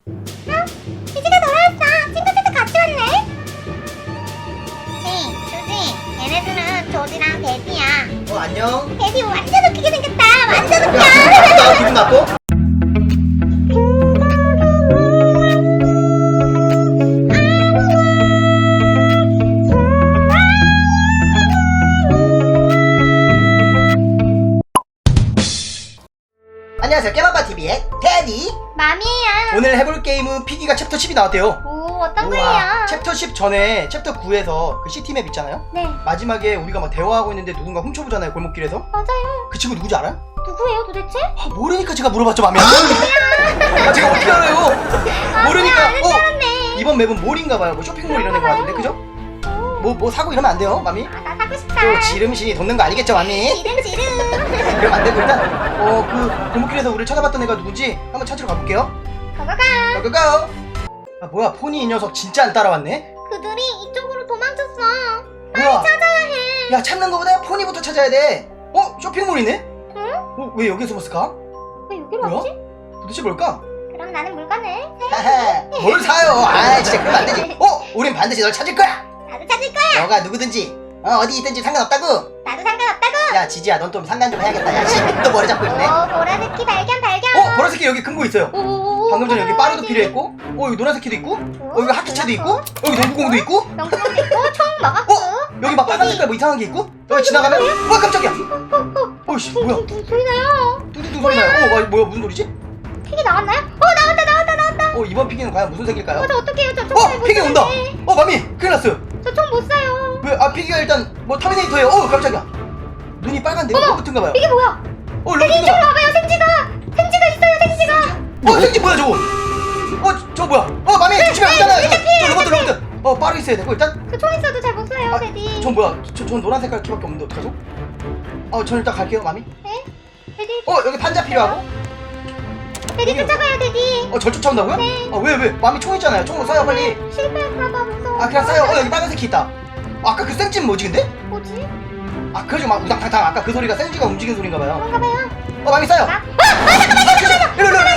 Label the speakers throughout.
Speaker 1: 지지가 돌아왔어. 친구들도 같이 왔네. 수지, 얘네들은 조지랑 데디야.
Speaker 2: 안녕.
Speaker 1: 데디 완전 웃기게 생겼다. 완전 웃겨.
Speaker 2: 나 기분 나빠? 안녕하세요, 깨마바TV의 데디.
Speaker 1: 맘이에요.
Speaker 2: 오늘 해볼 게임은 피기가 챕터 10이 나왔대요.
Speaker 1: 오, 어떤
Speaker 2: 우와,
Speaker 1: 거예요?
Speaker 2: 챕터 10 전에 챕터 9에서 그 시티맵 있잖아요.
Speaker 1: 네,
Speaker 2: 마지막에 우리가 막 대화하고 있는데 누군가 훔쳐보잖아요, 골목길에서.
Speaker 1: 맞아요.
Speaker 2: 그 친구 누구지 알아요?
Speaker 1: 누구예요 도대체?
Speaker 2: 모르니까 제가 물어봤죠, 맘이. 제가 어떻게 알아요? 모르니까.
Speaker 1: 아는 줄 알았네.
Speaker 2: 이번 맵은 몰인가봐요. 뭐 쇼핑몰 이런 데 같은데, 그죠? 뭐 사고 이러면 안 돼요, 맘이.
Speaker 1: 나 사고 싶다.
Speaker 2: 또 지름신이 돋는 거 아니겠죠, 맘이?
Speaker 1: 지름.
Speaker 2: 그럼 안 되고 일단 그 골목길에서 우리를 찾아봤던 애가 누군지 한번 찾으러 가볼게요.
Speaker 1: 가가가.
Speaker 2: 고고. 아 뭐야, 포니 이 녀석 진짜 안 따라왔네.
Speaker 1: 그들이 이쪽으로 도망쳤어.
Speaker 2: 뭐야?
Speaker 1: 찾아야 해.
Speaker 2: 야, 찾는 거보다 포니부터 찾아야 돼. 쇼핑몰이네?
Speaker 1: 응?
Speaker 2: 왜 여기에 숨었을까?
Speaker 1: 왜 여기로
Speaker 2: 뭐야?
Speaker 1: 왔지?
Speaker 2: 도대체 뭘까?
Speaker 1: 그럼 나는 물건을.
Speaker 2: 하하, 뭘 사요? 아, 진짜 그러면 안 되지. 우린 반드시 널 찾을 거야.
Speaker 1: 나도 찾을 거야.
Speaker 2: 너가 누구든지 어디 있든지 상관없다고.
Speaker 1: 나도 상관없다고.
Speaker 2: 야, 지지야, 넌 좀 상관 좀 해야겠다. 야, 씨, 또 머리 잡고 있네.
Speaker 1: 오, 보라색키 발견.
Speaker 2: 보라색이 여기 금고 있어요.
Speaker 1: 오,
Speaker 2: 방금 전에 여기 빠르도 필요했고, 여기 노란색키도 있고, 여기 하키채도 있고, 여기 농구공도 있고,
Speaker 1: 명품도 있고, 총 먹었고.
Speaker 2: 여기 막 빨간 색깔 뭐 이상한 게 있고, 여기 지나가면, 깜짝이야. 어이씨, 뭐야?
Speaker 1: 소리 나요.
Speaker 2: 뚜두두 소리 나요. 뭐야, 무슨 소리지?
Speaker 1: 픽이 나왔나요? 나왔다.
Speaker 2: 이번 피기는 과연 무슨 색일까요?
Speaker 1: 저 어떡해요? 저 총 못
Speaker 2: 피기 온다.
Speaker 1: 사요.
Speaker 2: 마미, 큰일 났어요.
Speaker 1: 저 총 못 사요.
Speaker 2: 왜? 피기가 일단 뭐 터미네이터예요. 깜짝이야. 눈이 빨간데
Speaker 1: 어머,
Speaker 2: 로봇인가 봐요.
Speaker 1: 이게 뭐야?
Speaker 2: 로봇인가
Speaker 1: 이쪽으로
Speaker 2: 봐.
Speaker 1: 와봐요. 생지가 있어요. 생지가.
Speaker 2: 생지 뭐야 저거? 저거 뭐야? 마미 조심해. 있잖아요. 저 로봇. 빠르게 있어야 되고 일단.
Speaker 1: 그 총 있어도 잘 못 사요, 데디.
Speaker 2: 전 뭐야? 전 노란 색깔 키밖에 없는데 어떡하죠? 전 일단 갈게요, 마미.
Speaker 1: 네? 데디.
Speaker 2: 여기 판자 필요하고.
Speaker 1: 데디 쫓아가요, 데디.
Speaker 2: 절 쫓아온다고요?
Speaker 1: 네.
Speaker 2: 왜? 마미 총 있잖아요. 총으로 쏴요, 빨리.
Speaker 1: 실패할까봐 무서워.
Speaker 2: 그냥 쏴요. 여기 빨간색 키 있다. 아까 그 생찜 뭐지 근데?
Speaker 1: 뭐지?
Speaker 2: 그래가지고 막 우당탕탕 아까 그 소리가 생지가 움직이는 소린가 봐요.
Speaker 1: 그런가 봐요.
Speaker 2: 마미 쏴요.
Speaker 1: 잠깐만.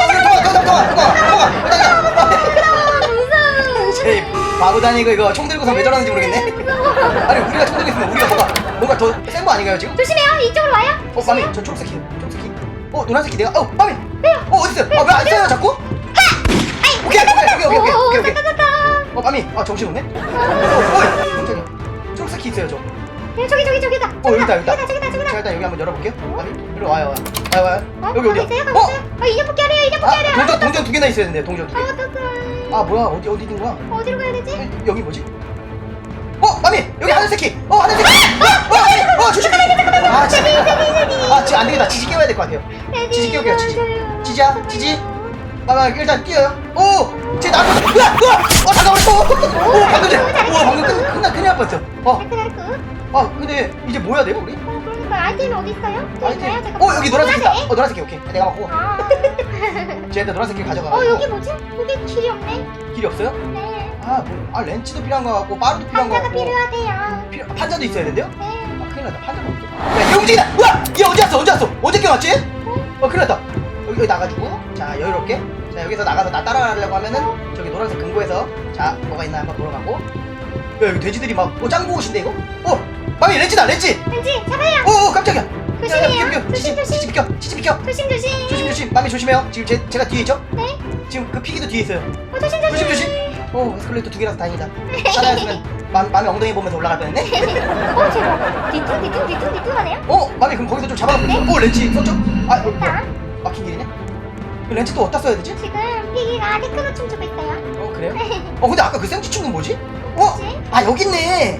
Speaker 2: 통화.
Speaker 1: 무서워.
Speaker 2: 제 바보다니 이거 총 들고서 왜 저러는지 모르겠네. 아니 우리가 총 들고 있으면 우리가 뭔가 더 센 거 아닌가요 지금?
Speaker 1: 조심해요. 이쪽으로 와요.
Speaker 2: 마미 저 초록색 키. 노란색 키 내가 마미. 어딨어요? 왜 안 써요 자꾸? 오케이. 마미 정신 없네. 깜짝이야. 초록색 키 있어요 저.
Speaker 1: 저기다.
Speaker 2: 여기다.
Speaker 1: 저기다.
Speaker 2: 제가 일단 여기 한번 열어볼게요. 마미 이리 와요. 여기 어디야?
Speaker 1: 인형 뽑기 하래요.
Speaker 2: 동전 두 개나 있어야 되는데 동전 두 개.
Speaker 1: 어떡해.
Speaker 2: 뭐야 어디 있는 거야?
Speaker 1: 어디로 가야 되지?
Speaker 2: 여기 뭐지? 마미 여기 하늘색 키. 하늘색 키. 마미 조심해. 지금 안 되겠다. 지지 깨워야 될 것 같아요. 지지 깨울게요. 지지. 마마 일단 뛰어요. 제 나무. 잠깐만. 방금 큰일 날 뻔했어. 근데 이제 뭐 해야 돼요 우리?
Speaker 1: 그러니까 아이템이 어디 있어요?
Speaker 2: 아이템. 여기 노란색 키다. 노란색 키 오케이. 내가 맞고. 쟤한테 노란색 키 가져가.
Speaker 1: 여기 뭐지? 여기 길이 없네.
Speaker 2: 길이 없어요?
Speaker 1: 네.
Speaker 2: 렌치도 필요한 것 같고 빠르도 필요한 것
Speaker 1: 판자가
Speaker 2: 같고.
Speaker 1: 필요하대요.
Speaker 2: 판자도 있어야 된대요?
Speaker 1: 네.
Speaker 2: 큰일 났다. 판자가 없어. 야, 얘 움직이다. 얘 언제 왔어? 언제 깨웠지? 큰일 났다. 여기 나가지고 자 여유롭게 자 여기서 나가서 나 따라가려고 하면은 저기 노란색 금고에서 자 뭐가 있나 한번 보러 가고. 여기 돼지들이 막 짱구 옷인데 이거? 마미 렌치다.
Speaker 1: 왠지 잡아요.
Speaker 2: 깜짝이야.
Speaker 1: 조심해요.
Speaker 2: 지지 비켜. 조심. 마미 조심해요. 지금 제가 뒤에 있죠?
Speaker 1: 네.
Speaker 2: 지금 그 피기도 뒤에 있어요.
Speaker 1: 조심.
Speaker 2: 에스컬레이터 두 개라서 다행이다. 따라했으면 마미 엉덩이 보면서 올라갈 뻔했네.
Speaker 1: 제발. 뒤뚱하네요.
Speaker 2: 마미 그럼 거기서 좀 잡아놓고 있어. 렌치 썼죠?
Speaker 1: 됐다.
Speaker 2: 막힌 길이네? 렌치 또 어디다 써야 되지?
Speaker 1: 지금 피기가 테크노 춤추고 있어요.
Speaker 2: 그래요? 근데 아까 그 생쥐충은 뭐지?
Speaker 1: 뭐지?
Speaker 2: 여기 있네.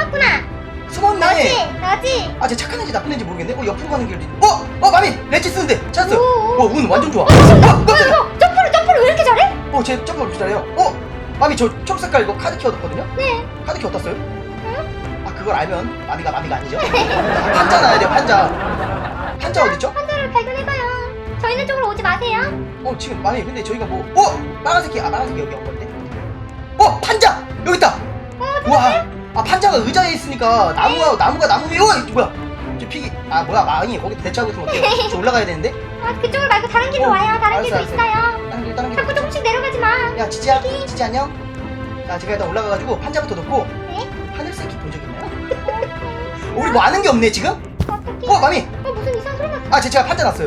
Speaker 2: 숨었네.
Speaker 1: 너지?
Speaker 2: 쟤 착한 애인지 나쁜 애인지 모르겠네. 옆으로 가는 길도 있네. 마미 렌치 쓰는데 찾았어요.
Speaker 1: 오.
Speaker 2: 운 완전 좋아.
Speaker 1: 깜짝이야. 점프를 왜 이렇게 잘해?
Speaker 2: 쟤 점프 잘해요. 마미 저 초록색깔 이거 카드 키 얻었거든요?
Speaker 1: 네.
Speaker 2: 카드 키 어디다 써요? 그걸 알면 마미가 아니죠? 판자 나야 돼요. 판자 어딨죠?
Speaker 1: 판자를 발견해봐요. 저희는 쪽으로 오지 마세요.
Speaker 2: 지금 마미 근데 저희가 빨간색이 빨간색이 여기 온 건데. 판자 여기 있다. 우와. 판자가 의자에 있으니까 나무가 나무 위에. 뭐야? 저 피기. 뭐야 마미 거기 대처하고 있으면 어때요? 저 올라가야 되는데.
Speaker 1: 그쪽으로 말고 다른 길로 와요. 다른 길도
Speaker 2: 알았어.
Speaker 1: 있어요.
Speaker 2: 다른 길.
Speaker 1: 자꾸 조금씩 내려가지 마.
Speaker 2: 야 지지야, 지지 안녕. 자 제가 일단 올라가가지고 판자부터 놓고.
Speaker 1: 네?
Speaker 2: 하늘 새끼 본 적 있나요? 우리 뭐 아는 게 없네 지금?
Speaker 1: 어떡해.
Speaker 2: 마미.
Speaker 1: 무슨 이상한 소리 났어.
Speaker 2: 아 제가 판자 놨어요.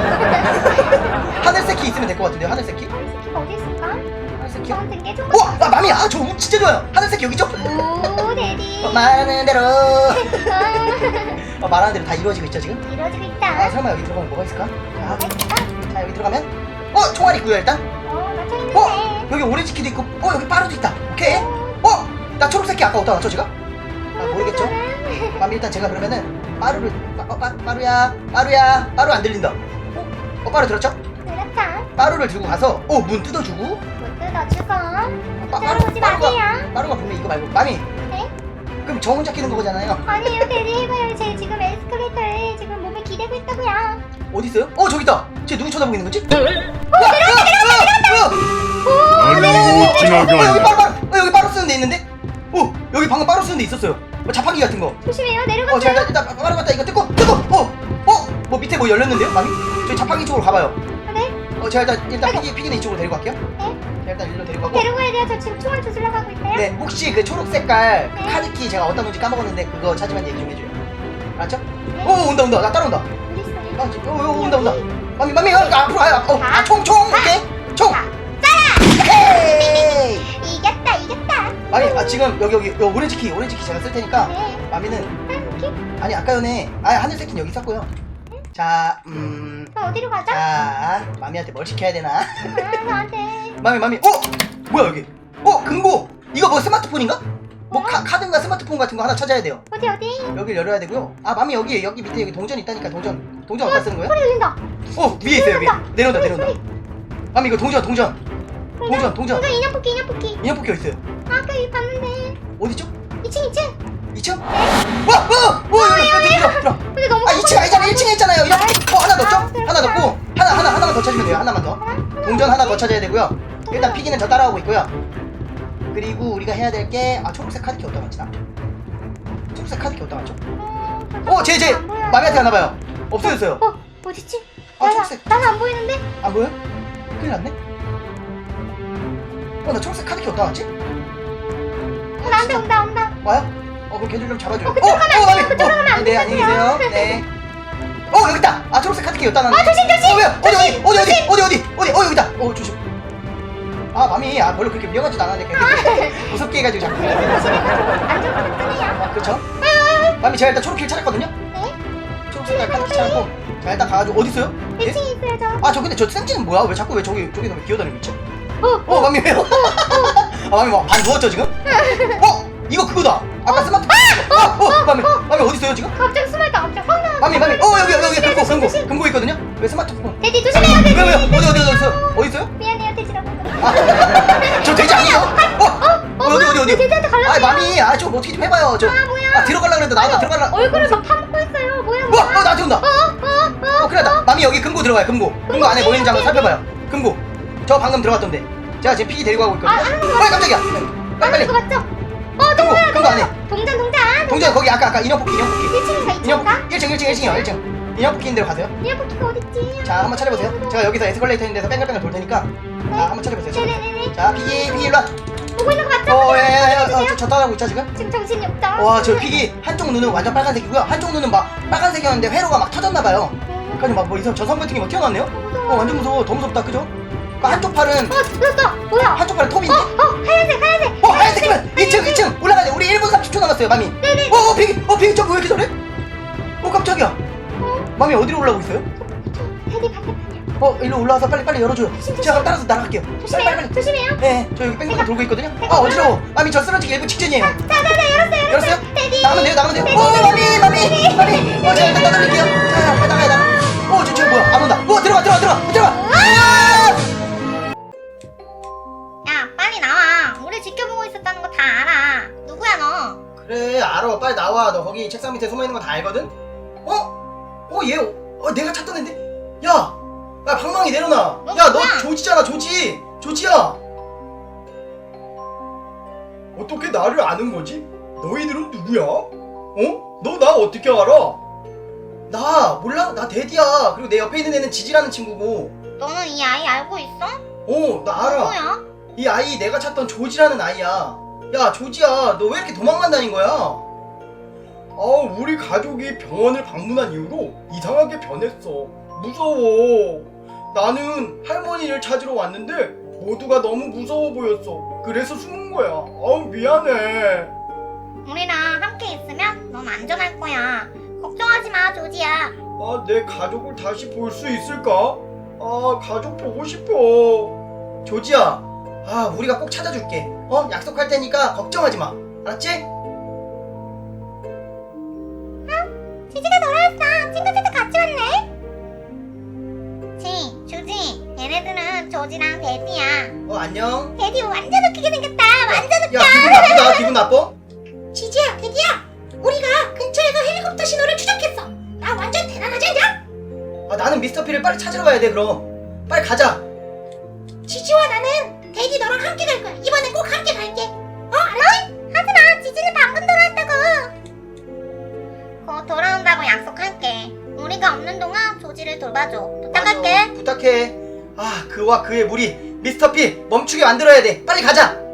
Speaker 2: 하늘 새끼 있으면 될 것 같은데요. 하늘 새끼?
Speaker 1: 새끼가 어디 있을까?
Speaker 2: 하늘 새끼요?
Speaker 1: 저한테 게 좀.
Speaker 2: 아 마미, 저 운 진짜 좋아요. 하늘 새끼 여기 있죠?
Speaker 1: 오, 데디.
Speaker 2: 말하는 대로.
Speaker 1: 아,
Speaker 2: 말하는 대로 다 이루어지고 있죠 지금?
Speaker 1: 이루어지고
Speaker 2: 아
Speaker 1: 있다.
Speaker 2: 설마 여기 들어가면 뭐가 있을까?
Speaker 1: 뭐가 있을까?
Speaker 2: 자 여기 들어가면 총알 있고요 일단.
Speaker 1: 맞춰 있는데.
Speaker 2: 여기 오렌지 키도 있고 여기 빠루도 있다. 오케이. 나 초록색 키 아까 어디다 놨죠 제가? 아 모르겠죠? 맘이 일단 제가 그러면은 빠루를 빠루야 빠루 안 들린다. 빠루 들었죠?
Speaker 1: 그렇다.
Speaker 2: 빠루를 들고 가서 문 뜯어주고.
Speaker 1: 못 뜯어주고.
Speaker 2: 빠루
Speaker 1: 따라오지 마세요.
Speaker 2: 빠루가 분명 이거 말고 맘이.
Speaker 1: 네?
Speaker 2: 그럼 저 혼자 끼는 거잖아요.
Speaker 1: 아니에요, 데디 해봐요. 제 지금 에스컬레이터에 지금 몸을 기대고 있다고요.
Speaker 2: 어디 있어요? 저기 있다. 쟤 누구 쳐다보고 있는 거지?
Speaker 3: 아니요 지나가니
Speaker 2: 여기 빠루 여기 빠루 쓰는 데 있는데? 여기 방금 빠루 쓰는 데 있었어요. 자판기 같은 거.
Speaker 1: 조심해요. 내려가세요.
Speaker 2: 제가 일단 빠루 갔다 이거 뜯고 뭐 밑에 뭐 열렸는데요, 마미? 저희 자판기 쪽으로 가봐요.
Speaker 1: 네?
Speaker 2: 제가 일단 피기는 이쪽으로 데리고 갈게요.
Speaker 1: 네?
Speaker 2: 제가 일단 일로 데리고 가고.
Speaker 1: 데리고 가야 돼요. 저 지금 총알 조질러 가고 있어요.
Speaker 2: 네, 혹시 그 초록 색깔
Speaker 1: 네.
Speaker 2: 카드키 제가 어디다 놓은지 까먹었는데 그거 찾으면 얘기 좀 해줘요. 알았죠?
Speaker 1: 네.
Speaker 2: 온다. 나 따라온다.
Speaker 1: 어디 있어요?
Speaker 2: 온다. 마미, 앞으로 와요. 총, 오케이. 총.
Speaker 1: 자,
Speaker 2: 헤이.
Speaker 1: 이겼다.
Speaker 2: 마미, 지금 여기 오렌지 키 제가 쓸 테니까
Speaker 1: 네.
Speaker 2: 마미는
Speaker 1: 이렇게?
Speaker 2: 아니 아까 전에 하늘 새끼는 여기 있었고요. 자,
Speaker 1: 그럼 어디로 가죠?
Speaker 2: 자, 마미한테 뭘 시켜야 되나?
Speaker 1: 저한테.
Speaker 2: 마미, 뭐야 여기? 금고. 이거 뭐 스마트폰인가? 뭐
Speaker 1: 뭐야?
Speaker 2: 카드인가 스마트폰 같은 거 하나 찾아야 돼요.
Speaker 1: 어디?
Speaker 2: 여기를 열어야 되고요. 마미 여기 밑에 여기 동전 있다니까 동전 어디다 쓰는 거예요?
Speaker 1: 소리 들린다.
Speaker 2: 위에 있어요 위에. 내려온다.
Speaker 1: 소리.
Speaker 2: 마미 이거 동전.
Speaker 1: 동전 인형 뽑기.
Speaker 2: 인형 뽑기 어디 있어요?
Speaker 1: 아까 여기 봤는데.
Speaker 2: 어디죠?
Speaker 1: 2층.
Speaker 2: 2층? 여기 들어.
Speaker 1: 근데 너무
Speaker 2: 2층 아니잖아. 1층에 있잖아요. 하나 넣었죠?
Speaker 1: 아,
Speaker 2: 하나 넣고 하나만 더 찾으면 돼요. 하나만 더. 동전 하나 더 찾아야 되고요. 일단 피기는 저 따라오고 있고요. 그리고 우리가 해야 될 게 초록색 카드키 어디다 놨지 나? 초록색 카드키 어디다 놨죠? 제 마미한테 가나봐요. 없어졌어요.
Speaker 1: 어딨지?
Speaker 2: 초록색.
Speaker 1: 나는 안 보이는데?
Speaker 2: 안 보여? 큰일 났네. 나 초록색 카드키 어디다 놨지?
Speaker 1: 나한테 온다.
Speaker 2: 와요? 그럼 걔들 좀 잡아줘요.
Speaker 1: 그쪽으로 가면 안 돼요. 그쪽으로 가면 안
Speaker 2: 네, 안녕히 계세요. 네. 여기 있다. 초록색 카드키 여기다 놨네.
Speaker 1: 조심.
Speaker 2: 어디? 여기 있다. 조심. 마미, 별로 그렇게 위험하지도 않았는데 그렇게 무섭게 해가지고 자꾸.
Speaker 1: 안전하게 뜨네요.
Speaker 2: 그렇죠? 마미, 제가 일단 초록길 찾았거든요?
Speaker 1: 네?
Speaker 2: 초록색 카드키 찾았고. 자, 일단 가가지고, 어디 있어요?
Speaker 1: 1층에 있어요, 저.
Speaker 2: 근데 저 센치는 뭐야? 왜 자꾸 저기서 왜 기어다니고 있지? 마미 왜요? 마미 뭐 반 누웠죠 지금? 이거 그거다. 아까 스마트폰. 마미 어디 있어요 지금?
Speaker 1: 갑자기 숨었다. 갑자기 확 나와.
Speaker 2: 마미 여기 금고 있거든요. 왜 스마트폰?
Speaker 1: 돼지 조심해요.
Speaker 2: 왜요? 어디 있어요?
Speaker 1: 미안해요, 돼지라고.
Speaker 2: 저 돼지 아니에요? 어디?
Speaker 1: 돼지한테 갈라고.
Speaker 2: 마미, 좀 어떻게 좀 해봐요.
Speaker 1: 뭐야?
Speaker 2: 들어가려고 그랬는데 나한테 들어가려.
Speaker 1: 얼굴을 막 파먹고 있어요. 뭐야?
Speaker 2: 나한테 온다. 큰일 났다. 마미 여기 금고 들어가요. 금고 안에 뭐 있는지 한번 살펴봐요. 금고. 저 방금 들어갔던데. 제가 지금 피기 데리고 가고 있거든요. 깜짝이야. 빨리.
Speaker 1: 그거 맞죠?
Speaker 2: 금고 안에. 동전 거기 아까 인형 뽑기.
Speaker 1: 1층인가 2층인가?
Speaker 2: 1층이요. 1층. 인형 뽑기 있는 데로 가세요.
Speaker 1: 인형 뽑기가 어딨지?
Speaker 2: 자, 한번 찾아보세요. 제가 여기서 에스컬레이터 있는 데서 뺑글뺑글 돌 테니까. 자, 한번 찾아보세요.
Speaker 1: 네네네네.
Speaker 2: 자, 피기 일로 와.
Speaker 1: 보고 있는 거 맞죠?
Speaker 2: 저 따라하고 있죠 지금?
Speaker 1: 지금 정신이 없다.
Speaker 2: 와, 저 피기 한쪽 눈은 완전 빨간색이고요. 한쪽 눈은 막 빨간색이었는데 회로가 막 터졌나봐요. 그래서 막뭐 이상 저성 같은 게 막 튀어나왔네요. 완전 무서워. 더 무섭다, 그죠? 한쪽 팔은
Speaker 1: 들었어. 뭐야?
Speaker 2: 한쪽 팔은 톱인데?
Speaker 1: 하얀색.
Speaker 2: 하얀색이면 2층 올라가야 돼. 우리 1분 30초 남았어요, 마미.
Speaker 1: 네네.
Speaker 2: 피기 저거 왜 이렇게 잘해? 깜짝이야. 마미 어디로 올라오고 있어요?
Speaker 1: 테디 반대편이야.
Speaker 2: 일로 올라와서 빨리 열어줘요. 제가 그럼 따라서 날아갈게요. 빨리.
Speaker 1: 조심해요.
Speaker 2: 네, 저 여기 뺑뺑뺑 돌고 있거든요. 어지러워. 마미 저 쓰러지기 1분 직전이에요.
Speaker 1: 자,
Speaker 2: 열었어요?
Speaker 1: 테디.
Speaker 2: 나가면 돼요. 마미. 제가 일단 따돌릴게요. 자, 빨리 나가요. 저 뭐야? 안 온다. 들어가.
Speaker 1: 야, 빨리 나와. 우리 지켜보고 있었다는 거 다 알아. 누구야 너?
Speaker 2: 그래, 알아. 빨리 나와. 너 거기 책상 밑에 숨어 있는 거 다 알거든. 얘. 내가 찾던 앤데. 야, 방망이 내려놔.
Speaker 1: 너
Speaker 2: 야, 너
Speaker 1: 누구야?
Speaker 2: 조지잖아, 조지야. 어떻게 나를 아는 거지? 너희들은 누구야? 너 나 어떻게 알아? 나 몰라? 나 데디야. 그리고 내 옆에 있는 애는 지지라는 친구고.
Speaker 1: 너는 이 아이 알고 있어?
Speaker 2: 나 알아.
Speaker 1: 누구야?
Speaker 2: 이 아이 내가 찾던 조지라는 아이야. 야, 조지야, 너 왜 이렇게 도망만 다닌 거야? 우리 가족이 병원을 방문한 이후로 이상하게 변했어. 무서워. 나는 할머니를 찾으러 왔는데 모두가 너무 무서워 보였어. 그래서 숨은 거야. 미안해.
Speaker 1: 우리랑 함께 있으면 넌 안전할 거야. 걱정하지 마, 조지야.
Speaker 2: 내 가족을 다시 볼 수 있을까? 가족 보고 싶어. 조지야, 우리가 꼭 찾아줄게. 약속할 테니까 걱정하지 마. 알았지?
Speaker 1: 지지가 돌아왔어. 친구들도 같이 왔네. 조지, 얘네들은 조지랑 데디야.
Speaker 2: 안녕.
Speaker 1: 데디 완전 웃기게 생겼다. 완전 웃겨.
Speaker 2: 야, 기분 나쁘다. 기분 나빠?
Speaker 1: 지지야, 데디야. 우리가 근처에서 헬리콥터 신호를 추적했어. 나 완전 대단하지 않냐?
Speaker 2: 나는 미스터 피를 빨리 찾으러 가야 돼. 그럼 빨리 가자.
Speaker 1: 지지와 나는 데디 너랑 함께 갈 거야. 이번엔 꼭 함께 갈게. 알았지? 하지마. 지지는 방금 돌아왔다고. 곧 돌아온다고 약속할게. 우리가 없는 동안 조지를 돌봐줘. 부탁할게.
Speaker 2: 부탁해. 그와 그의 무리 미스터 피 멈추게 만들어야 돼. 빨리 가자.